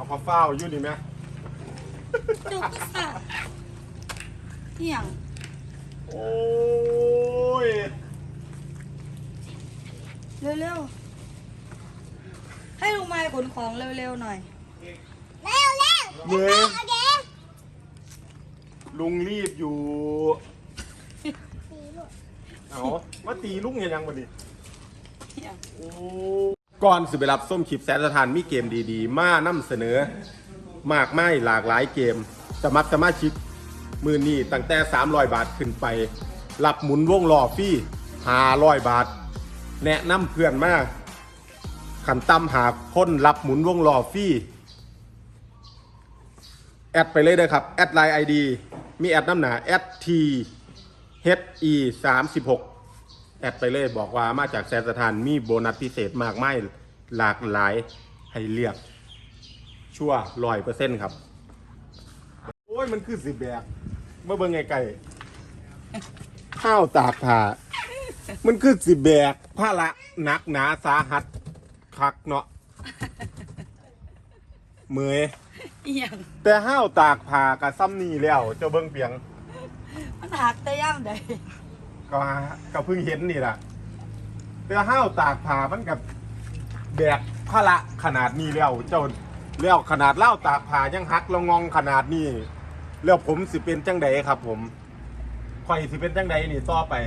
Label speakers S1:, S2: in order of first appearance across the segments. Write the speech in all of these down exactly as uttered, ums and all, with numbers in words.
S1: พอเฝ้าอยู่นี่ไหม
S2: ดูก็สะเที่ยง
S1: โอ้ย
S2: เร็วๆให้ลุงไม้ขนของเร็วๆหน่อย
S3: เร็วเร็ว
S1: เมื่อลุงรีบอยู่เอามาตีลุงยังมาดิก่อนสิไปรับส้มคลิปแสนสถานมีเกมดีๆมานำเสนอมากมายหลากหลายเกมสมัครสมาชิกมือนี้ตั้งแต่สามร้อยบาทขึ้นไปรับหมุนวงล้อฟรีห้าร้อยบาทแนะนำเพื่อนมาขันตั้มหาคนรับหมุนวงล้อฟรีแอดไปเลยเลยครับแอดไลน์ ไอ ดี มีแอดน้ำหนาแอด ที เอช อี สามสิบหกแอดไปเลยบอกว่ามาจากแสนสถานมีโบนัสพิเศษมากมายหลากหลายให้เลือกชั่วร้อยเปอร์เซ็นต์ครับโอ้ยมันคือสิบแบกเมื่อเบิ่งไงไก่ข้าวตากผ้ามันคือสิบแบกผ้าละหนักหนาสาหัสคักเนาะเมื่อยแต่ห้าวตากผ้ากับซ้ำนี่แล้วเจ้าเบิ่งเปียง
S2: มันหักแต่ย่ำใด
S1: ก็ก็เพิ่งเห็นนี่แหละแต่ห้าวตากผ้ามันกับแบกผ้าละขนาดนี้แล้วเจ้าแล้วขนาดเล่าตากผ้ายังหักละงองขนาดนี้แล้วผมสิเป็นจังใดครับผมข่อยสิเป็นจังใดนี่ต่อไป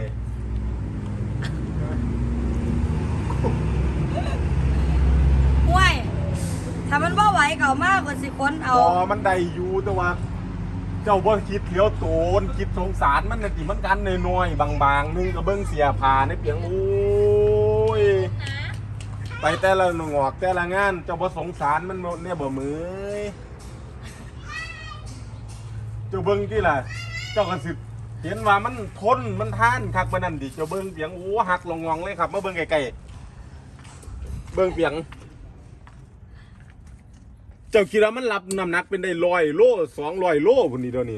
S2: ห่วยถ้ามันบ่ไหวเก่ามากกว่าสิคนเอา
S1: อ๋อมันได้อยู่แต่ว่าเจ้าบ่คิดเลี้ยวโตนคิดสงสารมันน่ะติมันกันน้อยๆบางๆนึงก็เบิ่งเสียผ้าในเปียงโอ้ยไปแต่ละหนงอกแต่ละงานเจ้าบ่สงสารมันเนี่ยบ่มือเจ้าเบิ่งที่ล่ะเจ้าก็สิเห็นว่ามันทนมันท่านคักมันนั่นดิเจ้าเบิ่งเปียงโอ้หักลงงองเลยครับมาเบิ่งไกลๆเบิ่งเปียงเจ้าคิดว่ามันรับน้ำหนักเป็นได้ร้อยโลสองร้อยโลพุ่นนี่เดี๋ยวนี้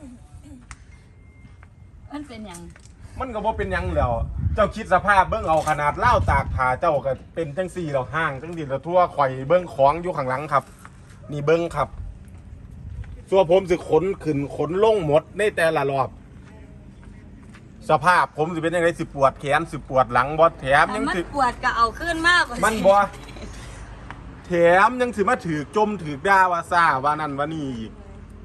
S2: มันเป็นยัง
S1: มันก็บ่เป็นยังแล้วเจ้าคิดสภาพเบิ่งเอาขนาดเล่าตากผ้าเจ้าก็เป็นจังสี่แล้วห้างจังสี่แล้วทั่วข่อยเบิ่งของอยู่ข้างหลังครับนี่เบิ่งครับส่วนผมสิขนขึ้นขนลงหมดในแต่ละรอบสภาพผมสิเป็นยังไงสิปวดแขนสิปวดหลังบ่แถมยัง
S2: สิ
S1: สิ
S2: ปวดก็เอาขึ้นมากกว่า
S1: มันบ่แถมยังสิมาถือจมถือด่าว่าซ่าว่านั่นว่านี่อีก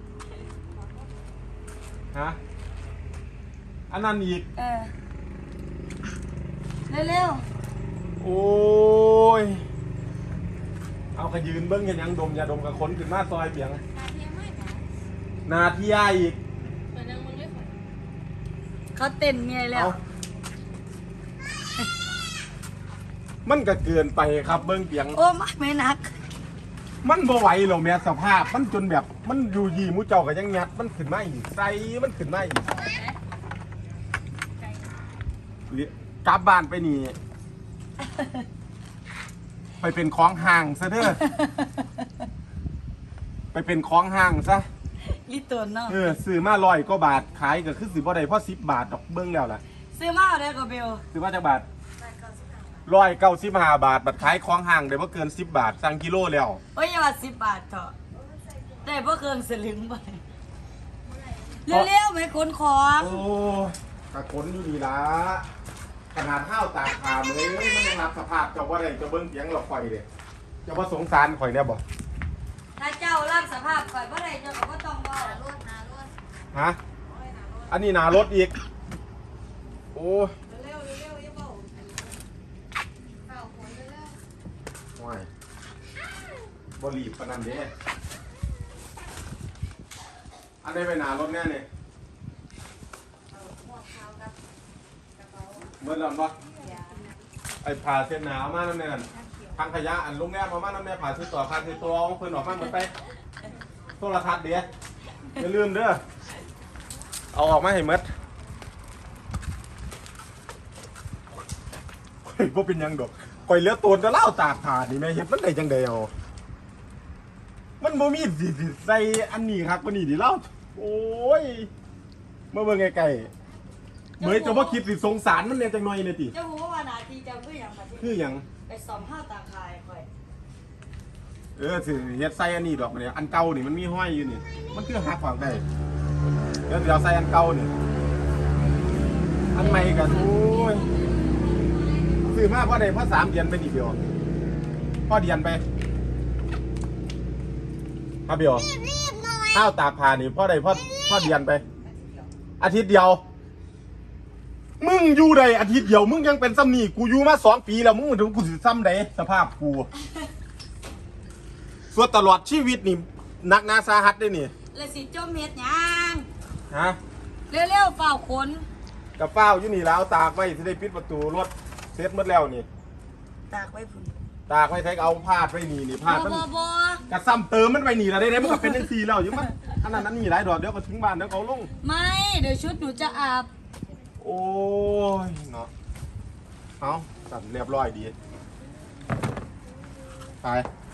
S1: ฮะอันนั้นอีก
S2: เออเร็ว
S1: ๆโอ้ยเอาขยืนเบิ้งเห็นยังดมยาดมกับคนขึ้นมาซอยเปียงนาทียาอีก
S2: เขาเต้นเมียแล้ว
S1: มันก็เกินไปครับเบิ้งเปียง
S2: โอ้ไม่นัก
S1: มันบ่ไหวหรอกแม่สภาพมันจนแบบมันอยู่ยี่มูเจ้าก็ยังงัดมันขึ้นมาอีกใส่มันขึ้นมาอีกกลับบ้านไปนี่ไปเป็นของห่างซะเด้อไปเป็นของห่างซะ
S2: ลิตรเนาะ
S1: เออซื้อมาร้อยก็บาทขายก็คือสิบ่ได้เพราะสิบบาทดอกเบิ้งแล้วล่ะ
S2: ซื้อมาได้ก็เบล
S1: ซื้อมาจากบาทร้อยเก้าสิบห้าบาทบัตรขายของห่างได้บ่เกินสิบบาทสั่งกิโลแล้ว
S2: โอ้ยอย่าว่าสิบบาทเถอะได้บ่เกินสลึงไปเร็วๆไม่ขนของ
S1: โอ้กระขนอยู่นี่ล่ะขนาดห้าวตากผ้าเลยมันยังรับสภาพเจ้าว่าไรเจ้าเบิ้งเสียงเราข่อยเลยเจ้าว่าสงสารข่อยเนี่ยบ่
S2: ถ้าเจ้ารับสภาพข่อยว่าไรเจ้าก็ต้องบ่รถนารถ
S1: ฮะอันนี้นารถอีกโอ้
S2: เร็วเร็วอย่าเบาเข้าคนเร็ว
S1: ว้ายบ่รีบปานนั้นเด้อันนี้ไปนารถแน่เนี่ยเมื่อไรบ้างไอ้ผ่าเส้นหนาวมาน้ำเนี่ยทางขยะอันลุงแง่มามาน้ำเนี่ยผ่าซื้อต่อผ่าซื้อตัวเอาเพิ่นออกมาหมดไปโทรทัศน์เดี๋ยวอย่าลืมเด้อเอาออกมาให้หมดข่อยบ่เป็นยังดอกข่อยเลือตัวจะเล่าตากผ่านี่แม่เห็นมันได้จังไดเอามันบ่มีสิใส่อันนี้ครับก็นี่ดิเล่าโอ้ยเมื่อเบิ่งไกลเหมยจะว่าคิดสิสงสารมันเนี่ยจังหน่อยเลยติ
S2: เจ้าหัวว่านาทีเจ้าคืออย่างไร
S1: คืออย่าง
S2: ไปซ้อมห้าวตาคายค่อย
S1: เออถือเฮ็ดใส่อันนี้ดอกเนี่ยอันเก่านี่มันมีห้อยอยู่นี่มันคือหักออกได้เดี๋ยวเดี๋ยวใส่อันเก่านี่อันใหม่กันโอ้ยซื้อมาพอได้พอสามเดือนไปนี่เดียวพอเดือนไปพอเดียว
S3: รีบหน่อย
S1: ข้าวตากผ้านี่พอได้พอพอเดือนไป อาทิตย์เดียว มึงอยู่ใดอาทิตย์เดียวมึงยังเป็นซ้ำนี่กูอยู่มาสองปีแล้วมึงถึงกูสิซ้ำใดสภาพกูส่วนตลอดชีวิตนี่หนักหนาสาหัสได้นี่
S2: แล้วสิจมเฮ็ดหยัง
S1: ฮะ
S2: เร็วๆเฝ้าขน
S1: กับเฝ้าอยู่นี่แล้วตากไว้ที่ได้ปิดประตูรถเสร็จหมดแล้วนี่
S2: ตากไว้พุ่น
S1: ตากไว้ใช้เอาพาดไว้นี่นี่พาดมัน
S2: บ่บ่
S1: กระซ้ำเติมมันไปนี่แล้วได้ได้มันก็เป็นจังซี่แล้วอยู่มั้งอันนั้นนั้นนี่หลายดอกเดี๋ยวก็ทิ้งบ้านเดี๋ยวเขาลง
S2: ไม่เดี๋ยวชุดหนูจะอาบ
S1: โอ้ยเนาะเอาสั่นเรียบร้อยดีไป